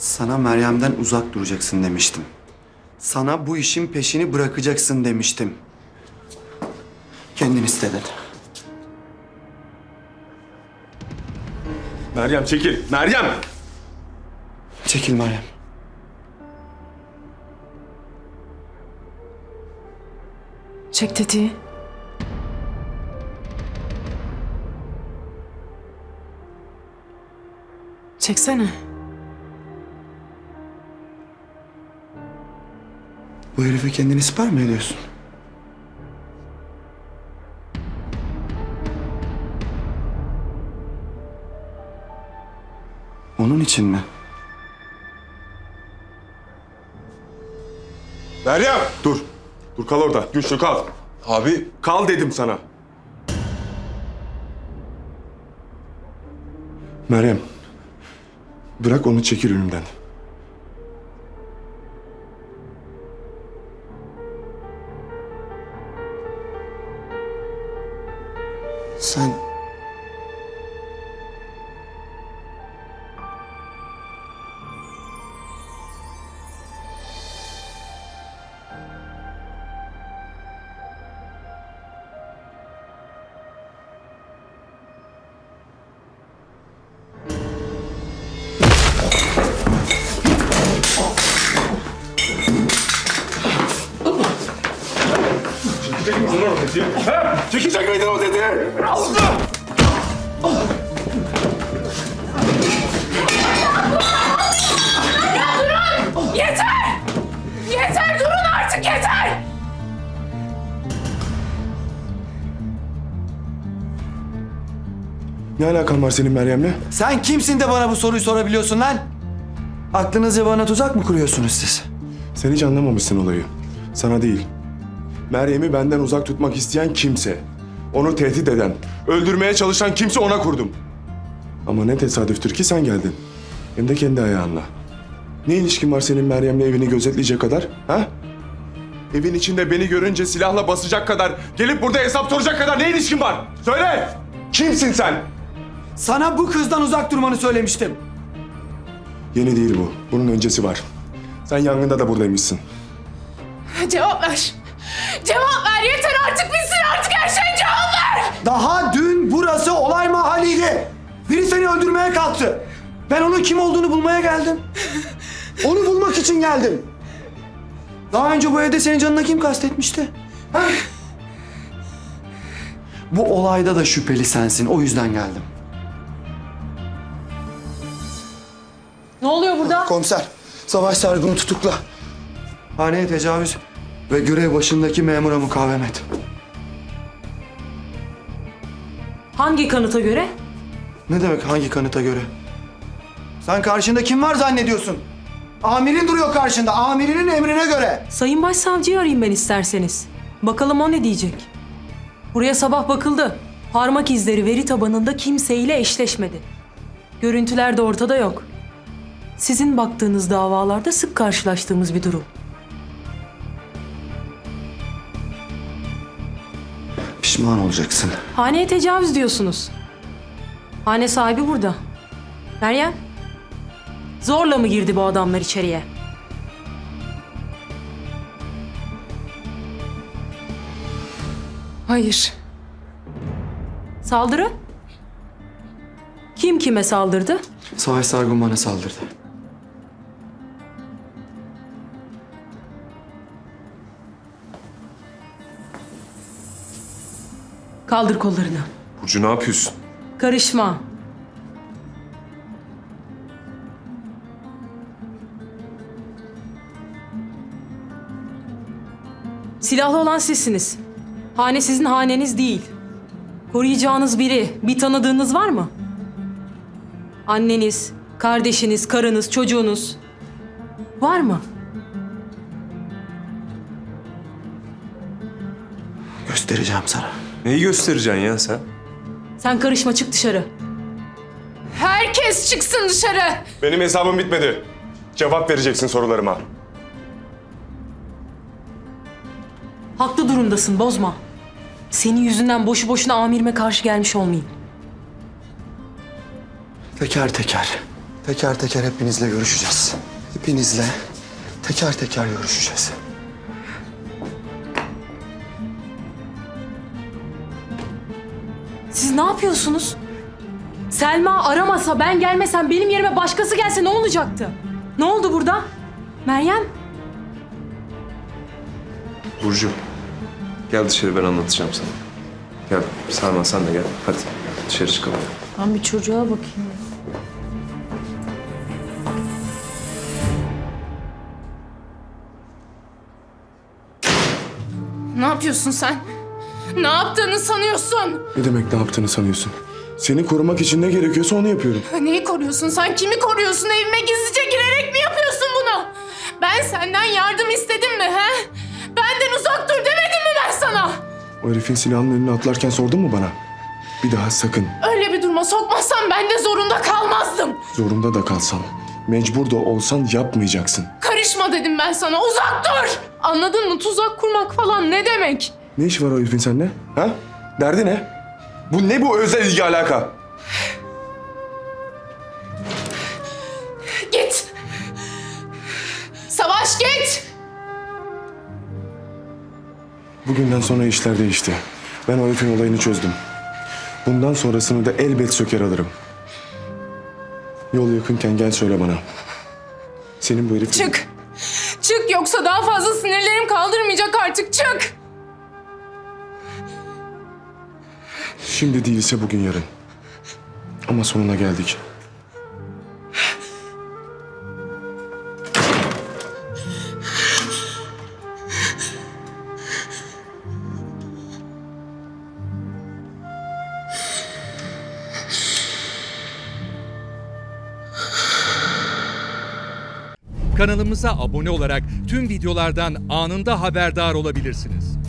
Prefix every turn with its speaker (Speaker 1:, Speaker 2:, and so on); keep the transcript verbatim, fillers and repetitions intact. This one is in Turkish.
Speaker 1: Sana Meryem'den uzak duracaksın demiştim. Sana bu işin peşini bırakacaksın demiştim. Kendin istedin.
Speaker 2: Meryem çekil. Meryem!
Speaker 1: Çekil Meryem.
Speaker 3: Çek tetiği. Çeksene.
Speaker 1: Bu herife kendini siper mi ediyorsun? Onun için mi?
Speaker 2: Meryem! Dur. Dur kal orada. Güçlü kal.
Speaker 4: Abi
Speaker 2: Kal dedim sana. Meryem. Bırak onu, çekil önümden.
Speaker 1: Sen...
Speaker 2: Çekecek misin lan o tetiği? He? Çekecek miydin o tetiği?
Speaker 3: Yeter! Yeter! Durun artık yeter!
Speaker 2: Ne alakan var senin Meryem'le?
Speaker 1: Sen kimsin de bana bu soruyu sorabiliyorsun lan? Aklınızca bana tuzak mı kuruyorsunuz siz?
Speaker 2: Sen hiç anlamamışsın olayı. Sana değil. Meryem'i benden uzak tutmak isteyen kimse, onu tehdit eden, öldürmeye çalışan kimse ona kurdum. Ama ne tesadüftür ki sen geldin. Hem de kendi ayağınla. Ne ilişkin var senin Meryem'le evini gözetleyecek kadar? Ha? Evin içinde beni görünce silahla basacak kadar, gelip burada hesap soracak kadar ne ilişkin var? Söyle! Kimsin sen?
Speaker 1: Sana bu kızdan uzak durmanı söylemiştim.
Speaker 2: Yeni değil bu. Bunun öncesi var. Sen yangında da buradaymışsın.
Speaker 3: Cevap ver! Cevap ver! Yeter artık bitsin artık her şey cevap ver!
Speaker 1: Daha dün burası olay mahalliydi. Biri seni öldürmeye kalktı. Ben onun kim olduğunu bulmaya geldim. Onu bulmak için geldim. Daha önce bu evde senin canına kim kastetmişti? Ha? Bu olayda da şüpheli sensin. O yüzden geldim.
Speaker 3: Ne oluyor burada?
Speaker 1: Komiser, Savaş Sargun'u tutukla. Haneye tecavüz ve görev başındaki memura mukavemet.
Speaker 3: Hangi kanıta göre?
Speaker 1: Ne demek hangi kanıta göre? Sen karşında kim var zannediyorsun? Amirin duruyor karşında. Amirinin emrine göre.
Speaker 3: Sayın Başsavcıyı arayayım ben isterseniz. Bakalım o ne diyecek? Buraya sabah bakıldı. Parmak izleri veri tabanında kimseyle eşleşmedi. Görüntüler de ortada yok. Sizin baktığınız davalarda sık karşılaştığımız bir durum.
Speaker 1: Pişman olacaksın.
Speaker 3: Haneye tecavüz diyorsunuz. Hane sahibi burada. Meryem, zorla mı girdi bu adamlar içeriye?
Speaker 5: Hayır.
Speaker 3: Saldırı? Kim kime saldırdı?
Speaker 1: Savaş Sargun bana saldırdı.
Speaker 3: Kaldır kollarını.
Speaker 4: Burcu ne yapıyorsun?
Speaker 3: Karışma. Silahlı olan sizsiniz. Hane sizin haneniz değil. Koruyacağınız biri, bir tanıdığınız var mı? Anneniz, kardeşiniz, karınız, çocuğunuz var mı?
Speaker 1: Göstereceğim sana.
Speaker 4: Neyi göstereceksin ya sen?
Speaker 3: Sen karışma, çık dışarı.
Speaker 5: Herkes çıksın dışarı.
Speaker 2: Benim hesabım bitmedi. Cevap vereceksin sorularıma.
Speaker 3: Haklı durumdasın, bozma. Senin yüzünden boşu boşuna amirime karşı gelmiş olmayayım.
Speaker 1: Teker teker. Teker teker hepinizle görüşeceğiz. Hepinizle teker teker görüşeceğiz.
Speaker 3: Siz ne yapıyorsunuz? Selma aramasa, ben gelmesem, benim yerime başkası gelse ne olacaktı? Ne oldu burada? Meryem?
Speaker 4: Burcu. Gel dışarı, ben anlatacağım sana. Gel Selma, sen de gel. Hadi dışarı çıkalım.
Speaker 3: Ben bir çocuğa bakayım.
Speaker 5: Ne yapıyorsun sen? Ne yaptığını sanıyorsun?
Speaker 2: Ne demek ne yaptığını sanıyorsun? Seni korumak için ne gerekiyorsa onu yapıyorum.
Speaker 5: Neyi koruyorsun sen? Kimi koruyorsun? Evime gizlice girerek mi yapıyorsun bunu? Ben senden yardım istedim mi he? Benden uzak dur demedim mi ben sana?
Speaker 2: O herifin silahının önüne atlarken sordun mu bana? Bir daha sakın,
Speaker 5: Öyle bir duruma sokmazsan ben de zorunda kalmazdım.
Speaker 2: zorunda da kalsan, mecbur da olsan yapmayacaksın.
Speaker 5: Karışma dedim ben sana. Uzak dur. Anladın mı? Tuzak kurmak falan ne demek?
Speaker 2: Ne işi var o herifin seninle? Ha? Derdi ne? Bu ne bu özel ilgi alaka?
Speaker 5: Git. Savaş git.
Speaker 2: Bugünden sonra işler değişti. Ben o herifin olayını çözdüm. Bundan sonrasını da elbet söker alırım. Yol yakınken gel söyle bana. Senin bu herif...
Speaker 5: Çık. Çık yoksa daha fazla sinirlerim kaldırmayacak artık. Çık.
Speaker 2: Şimdi değilse bugün yarın. Ama sonuna geldik.
Speaker 6: Kanalımıza abone olarak tüm videolardan anında haberdar olabilirsiniz.